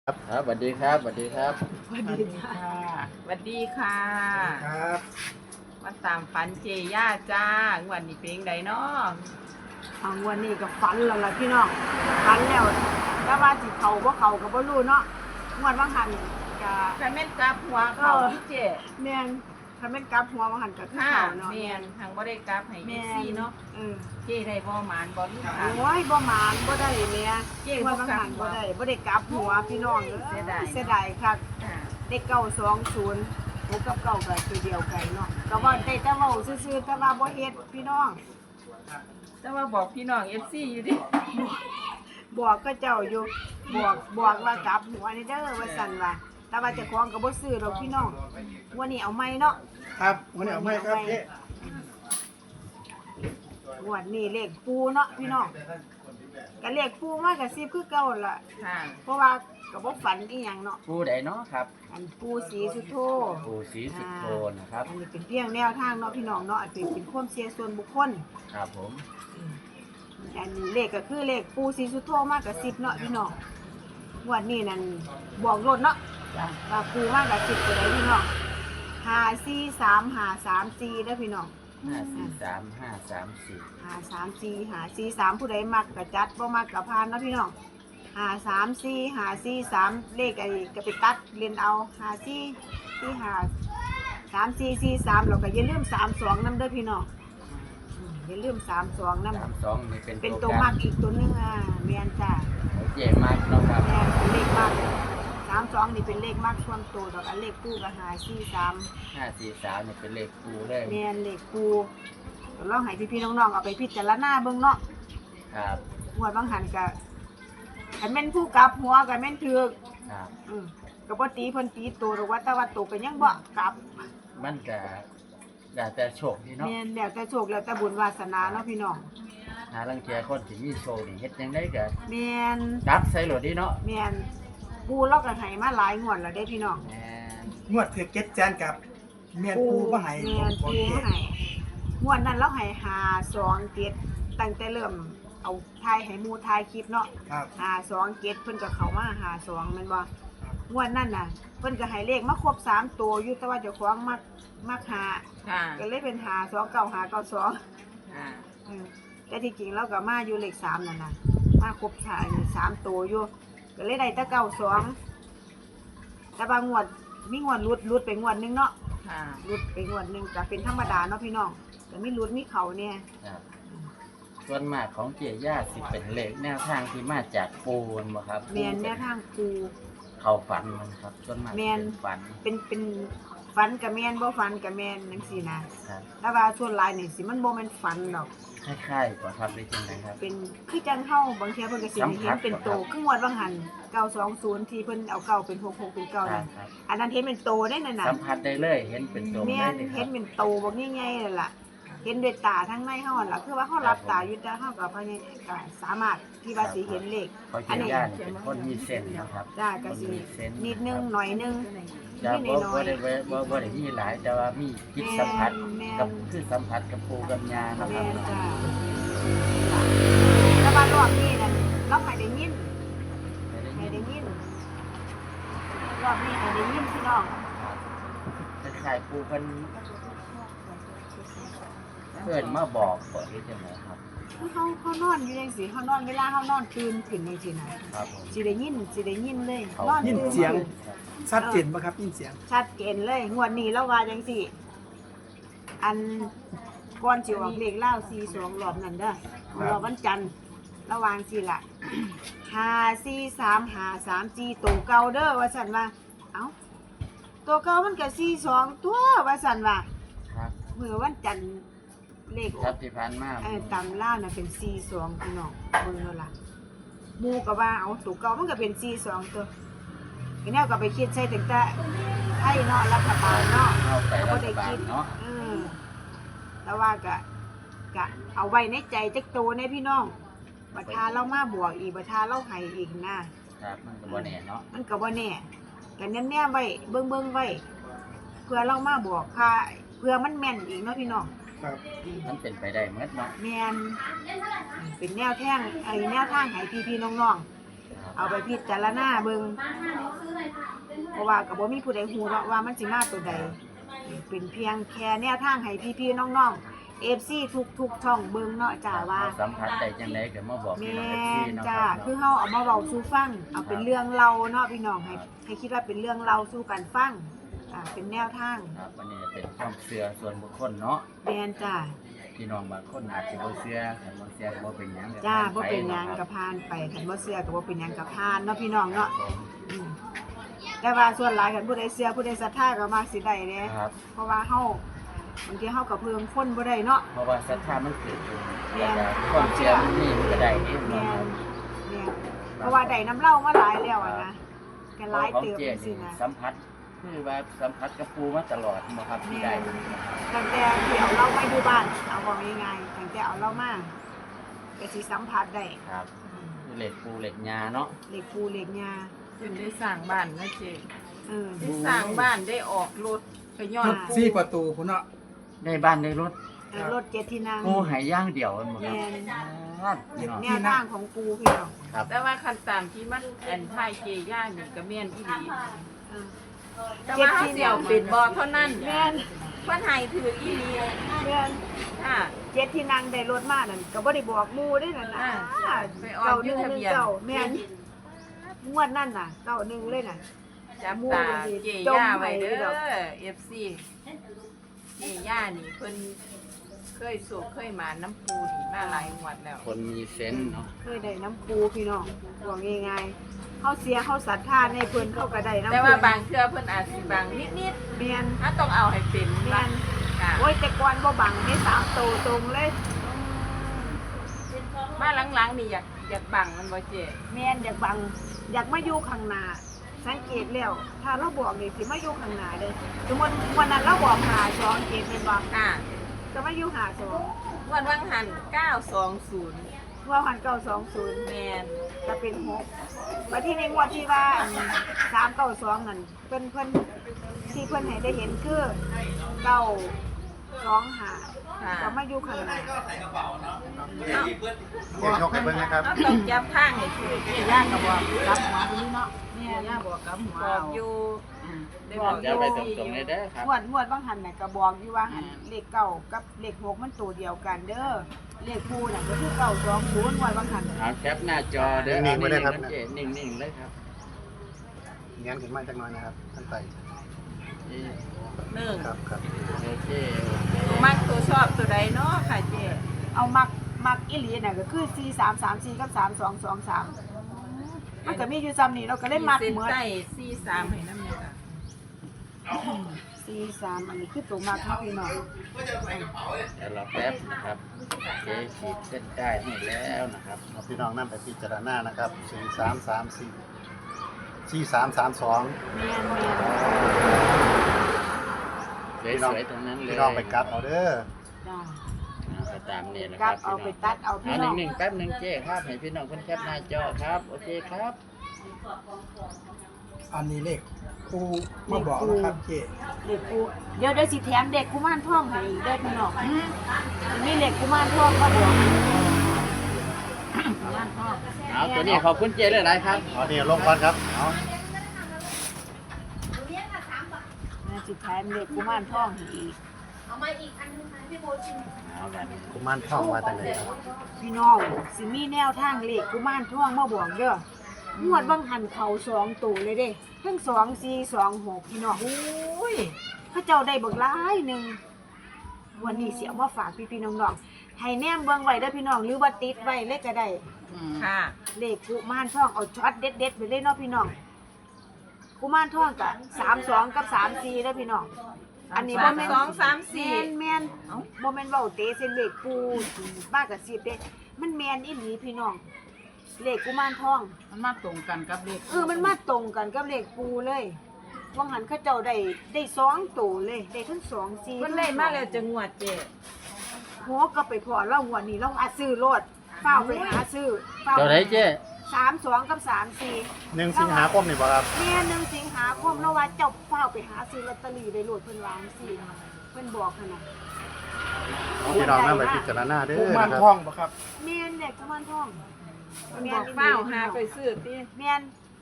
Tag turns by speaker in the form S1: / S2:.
S1: ครับสวัสดีครับสวัสดีครับ
S2: สวัสดีค่ะสวัสดีค่ะ
S3: ครับ
S2: มาตามฝันเจย่าจ้างวันนี้เป็นไดเนาะ
S4: วันนี้ก็ฝันแล้วล่ะพี่น้องฝันแล้วแต่ว่าสิเขาบ่เขาก็บ่รู้เนาะงวดว่างหันก็
S2: แฟนแม่นกลับหัวเขาพี่เจ
S4: แม่นถ้าแม่นกลับหัวว่างหันก็คือ
S2: ค่ะ
S4: เขาเนาะ
S2: แม่นทางบ่ได้กลับให้
S4: แม่
S2: ซีเนาะ
S4: เออ
S2: เจได้บ่หมานบ่ลูกค่ะ
S4: โอ้ยบ่หมานบ่ได้แม่
S2: เจ๊
S4: งวดว่างหัน
S2: บ่
S4: บ่
S2: กลับ
S4: ได้กลับหัวพี่น้อง
S2: เสียดาย
S4: เสียดายคัก
S2: ค่ะ
S4: ได้920หกกับเก้าก็คือเดียวกันเนาะก็ว่าได้แต่เว้าซื่อๆแต่ว่าบ่เฮ็ดพี่น้อง
S2: แต่ว่าบอกพี่น้อง FC อยู่ดิ
S4: บอกก็เจ้าอยู่บอกว่ากลับหัวนี่เด้อว่าซั่นว่าแต่ว่าเจ้าของก็บ่ซื้อดอกพี่น้องวันนี้เอาใหม่เนาะ
S3: ครับวันนี้เอาไม่ครับเจ๊
S4: งวดนี้เลขปูเนาะพี่น้องก็เลขปูมากกับ10คือเก่าล่ะ
S2: ค่ะ
S4: เพราะว่าก็บ่ฝันอีหยังเนาะ
S1: ปูใดเนาะครับ
S4: อันปูสีสุโธ
S1: ปูสีสุดโทนนะครับ
S4: อันนี้เป็นเพียงแนวทางเนาะพี่น้องเนาะอันเป็นความเชื่อส่วนบุคคล
S1: ครับผม
S4: อันเลขก็คือเลขปูสีสุโธมากกับ10เนาะพี่น้องงวดนี้นั่นบอกรถเนาะ
S2: จ้ะ
S4: ว่าปูมากกับ10ตัวใดพี่น้อง543 534เด้อพี่น้อง
S1: 543 534
S4: 534 543ผู้ใดมักก็จัดบ่มักก็ผ่านเนาะพี่น้อง534 543เลขไอ้ก็ไปตัดเล่นเอา54 45 3443แล้วก็อย่าลืม32นำเด้อพี่น้องอย่าลืม32นำ
S1: 32นี่เป็น
S4: เป็น
S1: ตั
S4: ตัว ว
S1: กั
S4: มั
S1: น
S4: กอีกตัวหนึงแม่นจ้ะ
S1: เจมากเนาะครับ
S4: แม่นเป็นเลขมัก32นี่เป็นเลขมักส่วนตัวดอกอันเลขคู่ก็543
S1: 543นี่เป็นเลขปูเลย
S4: แม่นเลขคู่ลองให้พี่ๆน้องๆเอาไปพิจารณาเบิ่งเนาะ
S1: ครับ
S4: งวดบางหันก็คันแม่นผู้กลับหัวก็แม่นถูก
S1: ครับ
S4: ก็บ่ตีเพิ่นตีตัวหรอกว่าแต่ว่าตัวก็ยังบ่กลับ
S1: มันก็ได้แต่โชคดีเนาะ
S4: แม่นแล้วแต่โชคแล้วแต่บุญวาสนาเนาะพี่น้อง
S1: หาลังเทียคนที่มีโชคนี่เฮ็ดจังได๋ก็
S4: แม่น
S1: ดับใส่โหลดดีเนาะ
S4: แม่นปูเราก็ให้มาหลายงวดแล้วเด้พี่น้อง
S1: แม่น
S3: งวดถือเก็ตแจนกับเมียนปูมาให้
S4: แม่น
S3: ของ
S4: ปู
S3: เจ๊
S4: ให้งวดนั้นเราให้52 7ตั้งแต่เริ่มเอาถ่ายให้หมู่ถ่ายคลิปเนาะ
S3: ครับ
S4: 52 7เพิ่นก็เข้ามา52แม่นบ่งวดนั้นน่ะเพิ่นก็ให้เลขมาครบ3ตัวอยู่แต่ว่าเจ้าของมักหา
S2: ค่ะ
S4: ก็เลยเป็น529
S2: ค่ะ
S4: แต่ที่จริงเราก็มาอยู่เลข3นั่นน่ะมาครบ3ตัวอยู่ก็เลยได้แต่92แต่บางงวดมีงวดรุดไปงวดหนึงเนาะ
S2: ค่ะ
S4: รุดไปงวดหนึงก็เป็นธรรมดาเนาะพี่น้องแต่มีรุดมีเขาเนี่ย
S1: ครับส่วนมากของเจย่าสิเป็นเลขแนวทางที่มาจากปูนบ่ครับ
S4: แม่นแนวทางครู
S1: เข้าฝันมันครับส่วนมาก
S4: แม่น
S1: เป็นฝัน
S4: เป็นฝันกับแม่นบ่ฝันกับแม่นจังซี่นะครับ แต่ว่าส่วนหลายนี่สิมันบ่แม่นฝันดอก
S1: คล้ายๆกว่าครับได้จังไดครับ
S4: เป็นคือจังเฮาบางเที่ยเพิ่นก็สิให้เห็นเป็นโตคืองวดบางหัน920ที่เพิ่นเอาเก้าเป็น66เป็นเก้า
S1: ครั
S4: นั่
S1: บ
S4: น
S1: ครับ
S4: อันนั้นเห็นเป็นโตได้นั่นน่ะ
S1: สัมผัสได้เลยเห็นเป็นตัว
S4: แม่
S1: ได้
S4: น
S1: เลยค
S4: เห็
S1: รั
S4: น
S1: บ
S4: เป็นโตบักใหญ่ๆนั่นล่ะเห็นด้วยตาทั้งในเฮานั่นล่ะคือว่าเฮารับตาอยู่แต่เฮาก็พยายามก็สามารถที่ว่าสิเห็นเลข
S1: เพราะเจย่านี่เป็นคนมีเส้นนะครับ
S4: จ้าก็สินิดนึงหน่อยนึง
S1: จะ
S4: นิ
S1: บ่
S4: ดน้อ
S1: บ่
S4: ย
S1: ได้บ่ได้มีหลายแต่ว่ามีจิตสัมผัส
S4: แม่น
S1: กับคือสัมผัสกับปูกับยานะค
S4: แม่
S1: รับ
S4: นจ้าแต่ว่ารอบนี้นั่นเราให้ได้ยิน ให้ได้ยินรอบนี้ให้ได้ยินพี่น้อง
S1: คล้ายๆปูเพิ่นเพิ่นมาบอกก่อนที่จะไหนครับ
S4: เขานอนอยู่จังซี่เขานอนเวลาเขานอนตื่นขึ้นจังซี่นะครับ
S1: ผม
S4: สิได้ยินเลย
S1: เขา
S4: นอน
S3: ยิน
S4: ตื่น
S3: เสียงชัดเจนป่ะครับยินเสียง
S4: ชัดเจนเลยงวดนี้เราว่าจังซี่ อันก่อนสิออกเลขเล่า42รอบนั้นเด้อรอบวันจันทร์ระหว่างสิล่ะ54353ตัวเก่าเด้อว่าซั่นว่าเอ้าตัวเก่ามันก็42ตัวว่าซั่นว่า
S1: ครับ
S4: มื้อวันจันทร์เลขอ
S1: ครั
S4: อบ ก
S1: ที่ผ่านมา
S4: ตำล่าวน่ะเป็น42พี่น้องเบิ่งแล้วล่ะหมู่ก็ว่าเอาตัวเก่ามันก็เป็น42ตัวก็แนวก็ไปคิดใส่ตั้งแต่ไทยเนาะรัฐบาลเนาะ
S1: เข้าไป
S4: ก็
S1: รั
S4: บ่
S1: ฐ
S4: ได้
S1: บาล
S4: คิด
S1: เนาะ
S4: แต่ว่าก็เอาไว้ในใจจักโตในพี่น้องบัดทาเรามาบวกอีกบัดทาเราให้อีกนะครับ
S1: มันก็บ่แน่เนาะ
S4: มันก็บ่แน่ก็แน่ๆไว้เบิ่งไว้เพื่อเรามาบวกค่ะเพื่อมันแม่นอีกเนาะพี่น้อง
S3: ครับ
S1: มันเป็นไปได้หมดเนาะ
S4: แม่นเป็นแนวทางแนวทางให้พี่ๆน้อง
S1: ครับ
S4: เอาไปพิจารณาเบิ่งเพราะว่าก็บ่มีผู้ใดฮู้เนาะว่ามันสิมาตัวใดเป็นเพียงแค่แนวทางให้พี่ๆน้องๆ FC ทุกช่องเบิ่งเนาะจ้าว่า
S1: สัมผัสได้จังไดก็มาบอก
S4: แม
S1: พี่น้องเอฟซี่
S4: ่น
S1: เนาะ
S4: จ้า
S1: ครับ
S4: คือเฮาเอามาเว้าสู่ฟังเอาเป็นเรื่องเล่าเนาะพี่น้องให้คิดว่าเป็นเรื่องเล่าสู่กันฟังเป็นแนวทาง
S1: ครับอันนี้เป็นความเชื่อส่วนบุคคลเนาะ
S4: แม่นจ้า
S1: พี่น้องบางคนอาจจะบ่เชื่อแต่บ่เชื่อก็บ่เป็นหยัง
S4: จ้าบ่เป็นหยังก็ผ่านไปคันบ่เชื่อก็บ่เป็นหยังก็ผ่านเนาะพี่น้องเนาะอืมแต่ว่าส่วนหลายคันผู้ใดเชื่อผู้ใดศรัทธาก็มักสิได้เด้
S1: ครับ
S4: เพราะว่าเฮาบางทีเฮาก็เพิ่มคนบ่ได้เนาะ
S1: เพราะว่าศรัทธามันเกิดอยู่
S4: แม่น
S1: แล้วก็ความเชื่อมันมีมันก็ได้เอง
S4: แม่
S1: เนาะ
S4: นแม่นเพราะว่าได้น้ำเหล้ามาหลายแล้วอะนะก็หลาย
S1: ของ
S4: เติบ
S1: เจ๊
S4: จังซี่
S1: นี่
S4: นะ
S1: สัมผัสคือว่าสัมผัสกับปูมาตลอดบ่ครับที่ได้
S4: ตั้งแต่ที่เอาเรามาอยู่บ้านเอาบอกง่ายๆตั้งแต่เอาเรามาก็สิสัมผัสได้
S1: ครับคือเหล็กปูเหล็กยาเนาะ
S4: เหล็กปูเหล็กยา
S2: จนได้สร้างบ้านนะเจ๊
S4: เออ
S2: ได้สร้างบ้านได้ออกรถก็ย้อน
S3: สี่ประตูพุ่นเนาะ
S1: ได้บ้านได้รถ
S4: รถเจ็ดที่นั่ง
S1: ปูหายย่างเดียวมันบ่ค
S4: แม
S1: รับ
S4: น
S1: พี่น้อง
S4: แนวทางของปูพี่น้อง
S1: ครับ
S2: แต่ว่าคันตามที่มันแอนทายเจย่านี่ก็แม่นอีหลี
S4: เออ
S2: แต่ว่าเขาเสี่ยวปิดบ่เท่านั้น
S4: แมน
S2: เพิ่นให้ถืออีหลี
S4: แมน
S2: ค่ะ
S4: เจ็ดที่นั่งได้รถมานั่นก็บ่ได้บอกหมู่เด้นั่นน่ะ
S2: ไปออกอยู่ทะเบียน
S4: เก้าแม่นงวดนั่นน่ะ91เลยน่ะ
S2: จับตาเจย่าไว้เด้อ FC เจย่านี่เพิ่นเคยสูบเคยหมาน้ำปูนี่มาหลายงวดแล้ว
S1: คนมีเซนส์เนาะ
S4: เคยได้น้ำปูพี่น้องบอกง่ายๆเขาเสียเขาศรัทธาในเพิ่นเขาก็ได้น้ำ
S2: แต่ว่า
S4: เพิ่น
S2: บางเทื่อเพิ่นอาจสิบางนิด
S4: แม่น
S2: ๆถ้าต้องเอาให้เป็น
S4: แม่น
S2: ค่ะ
S4: โอ้ยแต่ก่อนบ่บังได้3โตตรงเลย
S2: มาหลังๆนี่อยากบังมันบ่เจ๊
S4: แม่นอยากบังอยากมาอยู่ข้างหน้าสังเกตแล้ว ถ้าเราบอกนี่สิมาอยู่ข้างหน้าเด้อสมมุติวันนั้นเราบอกหา2เกตแม่นบ่
S2: ค่ะ
S4: ก็มาอยู่หา2
S2: วันวังหัน920
S4: ว่าหัน920
S2: แม่น
S4: ก็เป็น6บัดทีนี้งวดที่ว่า392นั่นเพิ่นที่เพิ่นให้ได้เห็นคือ925
S2: ค่ะ
S4: ก็มาอยู่ข้างหน้า
S3: เดี๋ยวยกให้เบิ่งนะครับ
S2: ก็ต้องจับทางให้คือเจ๊ย่าก็บอกกลับหัวนี้เนาะ
S4: แม่
S2: เจ๊ย่าบอกกลับหัวบอกอยู่ได้
S4: บบ อ
S2: อก ก
S1: จะไปตรงๆเลยเด้อครับ
S4: งวดบางหันน่ะก็บอกอยู่ว่าหันเลขเก้ากับเลข6มันตัวเดียวกันเด้อเลขคู่น่ะก็คือ920งวดบางหัน
S1: เอาแคปหน้าจอเด้อ
S3: นิ่งๆไว้เลยครับ
S1: เจ๊นิ่งๆเลยครับ
S3: งั้นขึ้นมาจักหน่อยนะครับท่านไต่
S1: นี่
S2: หนึ่ง
S3: ครับครับ
S1: โอเค
S2: ตัวมักตัวชอบตัวใดเนาะค่ะเจ๊
S4: เอามักอีหลีน่ะก็คือ4334กับ3223มันก็มีอยู่ซ้ำนี่เราก็เล่นมัก
S2: เส้น
S4: เหมือน
S2: ใต้43ให้น้ำเนี่ยค่ะ
S4: 43อันนี้คือตัวมักเนาะพี่น้อง
S1: เดี๋ยวเราแป๊บนะครับเจ๊ขีดเส้นได้ให้แล้วนะครับ
S3: เอาพี่น้องนั่นไปพิจารณานะครับ4334 4332
S4: แม่น
S1: สวยๆตรงนั้นเลย
S3: พี่น้องไปกลับเอาเด้อ
S4: ๆจ้า
S1: เอาไปตามนี่นะค
S4: กลั
S1: รับบ
S4: เอาไปตัดเอาพี่
S1: เอา
S4: น้อง
S1: หนึ่งๆแป๊บหนึ่งเจ๊ครับให้พี่น้องเพิ่นแคปหน้าจอครับ โอเคครับ
S3: อันนี้เลขปูมาบอกนะครับเจ๊
S4: เด็กกูเดี๋ยวสิแถมเด็กกุมารทองให้อีกเด้อพี่น้องมีเด็กกุมารทองมาบอกกุมารทอง
S1: เอาตัวนี้ขอบคุณเจ๊หลายๆครับ
S3: เอานี่ลงก่อนครับเอา
S4: สิแถมเด็กกุมารทองให้อีก
S1: เอาแบบนี้
S3: กุมารทองมาจากไหนครับ
S4: พี่น้องสิมีแนวทางเลขกุมารทองมาบอกเด้องวดบางหันเขา2ตัวเลยเด้ทั้ง2426พี่น้อง
S2: อุ้ย
S4: พระเจ้าได้เบิกหลายหนึงวันนี้สิเอามาฝากพี่ๆน้องๆให้แนมเบิ่งไว้เด้อพี่น้องหรือว่าติดไว้เลยก็ได้
S2: ค่ะ
S4: เลขกุมารทองเอาช็อตเด็ดๆไปเลยเนาะพี่น้องกุมารทองกับ32กับ34เด้อพี่น้องอันนี้บ่แม่น
S2: 2 3
S4: แม่น
S2: เอ้า
S4: บ่แม่นเว้าเตะเส้นเลขปูบ้ากับ10เด้มันแม่นอีหลีพี่น้องเลขกุมารทอง
S2: มันมาตรงกันกับเลข
S4: มันมาตรงกันกับเลขปูเลยว่างั้นเขาเจ้าได้2ตัวเลยได้ทั้ง2 4
S2: เพิ่นได้มาแล้วจะงวดเจ๊
S4: โหก็ไปพอเราหัวนี้เราอาซื้อรถเฝ้าไปหาซื้อเฝ้า
S1: เจ้าไหนเจ๊
S4: 32กับ34
S3: 1 สิงหาคมนี่บ่ครับ
S4: แม่1 สิงหาคมแล้วว่าเจ้าเฝ้าไปหาซื้อลอตเตอรี่ได้โลดเพิ่นวาจังซี่เพิ่นบอกขนาด
S3: เอาพี่น้องนั่นไปพิจารณาเด้อ
S5: กุมาร
S3: นะค
S5: ทอ
S3: รับ
S5: งบ่ครับ
S4: แม่นเด็กกุมารทอง
S2: มันบอกเฝ้าหาไปซื้อติ
S4: แม่น